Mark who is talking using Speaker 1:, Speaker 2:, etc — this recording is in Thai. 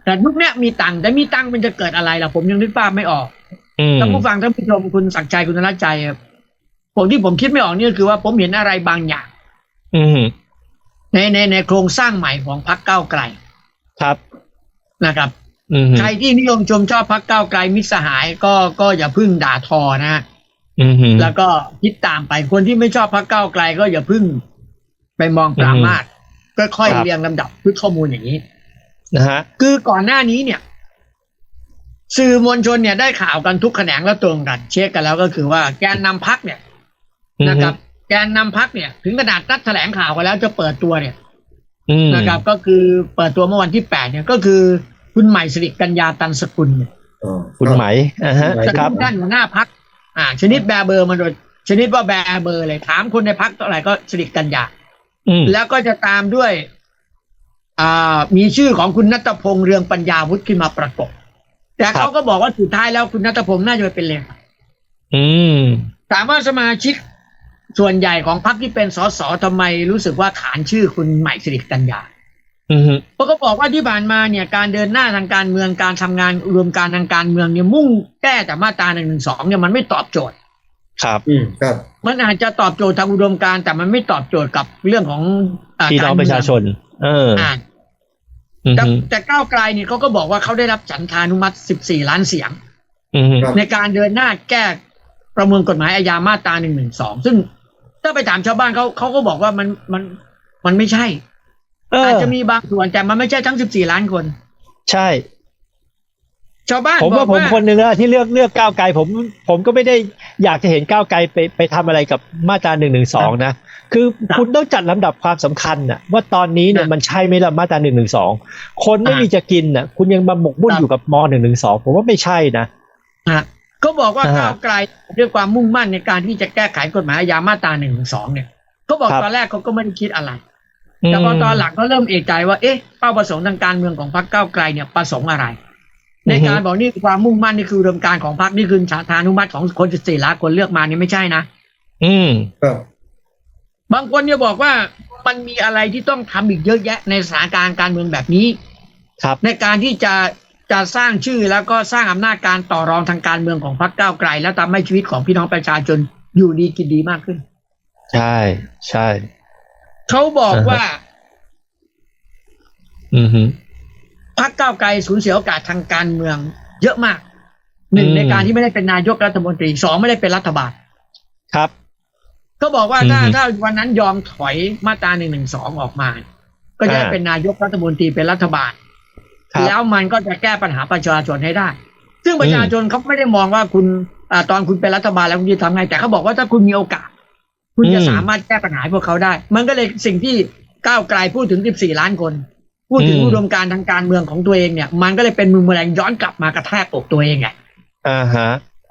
Speaker 1: แต่ยุคนี้มีตังค์แต่มีตังค์มันจะเกิดอะไรล่ะผมยังนึกภาพไม่ออกท่านผู้ฟังท่านผู้ชมคุณศักดิ์ชัยคุณธนชัยผมคิดไม่ออกนี่คือว่าผมเห็นอะไรบางอย่างในโครงสร้างใหม่ของพรรคก้าวไกล
Speaker 2: ครับ
Speaker 1: นะครับใครที่นิยมชมชอบพรรคก้าวไกลมิตรสหายก็อย่าพึ่งด่าทอนะแล้วก็คิดตามไปคนที่ไม่ชอบพรรคก้าวไกลก็อย่าพึ่งไปมองปรามาสก็ค่อยเรียงลำดับพื้นข้อมูลอย่างนี้
Speaker 2: นะฮะ
Speaker 1: คือก่อนหน้านี้เนี่ยสื่อมวลชนเนี่ยได้ข่าวกันทุกแขนงและตรงกันเช็คกันแล้วก็คือว่าแกนนำพรรคเนี่ยนะครับแกนนำพรรคเนี่ยถึงขนาดนัดแถลงข่าวกันแล้วจะเปิดตัวเนี่ยนะครับก็คือเปิดตัวเมื่อวันที่8เนี่ยก็คือคุณใหม่สิริกัญญาตันสกุลเนี่ย
Speaker 2: คุณไหม
Speaker 1: ครับท่านหัวหน้าพรรคชนิดแบเบอร์มาโดยชนิดว่าแบเบอร์เลยถามคนในพรรคเท่าไหร่ก็สิริกัญญาแล้วก็จะตามด้วยมีชื่อของคุณณัฐพงษ์เรืองปัญญาวุฒิขึ้นมาประกบแต่เขาก็บอกว่าสุดท้ายแล้วคุณณัฐพงษ์น่าจะเป็นเลขาถามว่าสมาชิกส่วนใหญ่ของพรรคที่เป็นสสทำไมรู้สึกว่าขานชื่อคุณใหม่สิริกัญญาเพราะเขาบอกว่าที่ผ่านมาเนี่ยการเดินหน้าทางการเมืองการทำงานรวมการทางการเมืองเนี่ยมุ่งแก้แต่มาตรา112เนี่ยมันไม่ตอบโจทย์
Speaker 2: ครับ
Speaker 1: ครับมันอาจจะตอบโจทย์ทางอุดมการณ์แต่มันไม่ตอบโจทย์กับเรื่องของ
Speaker 2: พี่น้องประชาชน
Speaker 1: แต่ก้าวไกลเนี่ยเขาก็บอกว่าเขาได้รับฉันทานุมัติ14ล้านเสียงในการเดินหน้าแก้ประมวลกฎหมายอาญามาตรา112ซึ่งถ้าไปถามชาวบ้านเขาก็บอกว่ามันไม่ใช่อาจจะมีบางส่วนแต่มันไม่ใช่ทั้ง14ล้านคน
Speaker 2: ใช่
Speaker 1: ชาวบ้าน
Speaker 2: ผมว่าผมคนหนึ่งที่เลือกก้าวไกลผมก็ไม่ได้อยากจะเห็นก้าวไกลไปทำอะไรกับมาตรา112นะคือคุณต้องจัดลำดับความสำคัญน่ะว่าตอนนี้เนี่ยมันใช่ไหมล่ะมาตรา112คนไม่มีจะกินน่ะคุณยังมาหมกมุ่นอยู่กับม.112ผมว่าไม่ใช่นะ
Speaker 1: เขาบอกว่าก้าวไกลด้วยความมุ่งมั่นในการที่จะแก้ไขกฎหมายอาญามาตรา112เนี่ยเขาบอกตอนแรกเขาก็ไม่ได้คิดอะไรแต่พอตอนหลังก็เริ่มเอะใจว่าเป้าประสงค์ทางการเมืองของพรรคก้าวไกลเนี่ยประสงค์อะไรในการบอกนี่ความมุ่งมั่นนี่คืออุดมการณ์ของพรรคนี่คือฉันทานุมัติของคน14ล้านคนเลือกมานี่ไม่ใช่นะบางคนเนี่ยบอกว่ามันมีอะไรที่ต้องทำอีกเยอะแยะในสถานการณ์การเมืองแบบนี้ในการที่จะสร้างชื่อแล้วก็สร้างอำนาจการต่อรองทางการเมืองของพรรคก้าวไกลแล้วทำให้ชีวิตของพี่น้องประชาชนอยู่ดีกินดีมากขึ้น
Speaker 2: ใช่ใช่
Speaker 1: เขาบอกว่าพรรคก้าวไกลสูญเสียโอกาสทางการเมืองเยอะมาก1ในการที่ไม่ได้เป็นนายกรัฐมนตรี2ไม่ได้เป็นรัฐบาล
Speaker 2: ครับ
Speaker 1: เขาบอกว่าถ้าวันนั้นยอมถอยมาตรา112ออกมาก็จะเป็นนายกรัฐมนตรีเป็นรัฐบาลแล้วมันก็จะแก้ปัญหาประชาชนให้ได้ซึ่งประชาชนเขาไม่ได้มองว่าคุณตอนคุณเป็นรัฐบาลแล้วคุณจะทำไงแต่เขาบอกว่าถ้าคุณมีโอกาสคุณจะสามารถแก้ปัญหาพวกเขาได้มันก็เลยสิ่งที่ก้าวไกลพูดถึง14ล้านคนพูดถึงอุดมการณ์ทางการเมืองของตัวเองเนี่ยมันก็เลยเป็นมือแมลงย้อนกลับมากระแทกอกตัวเองไง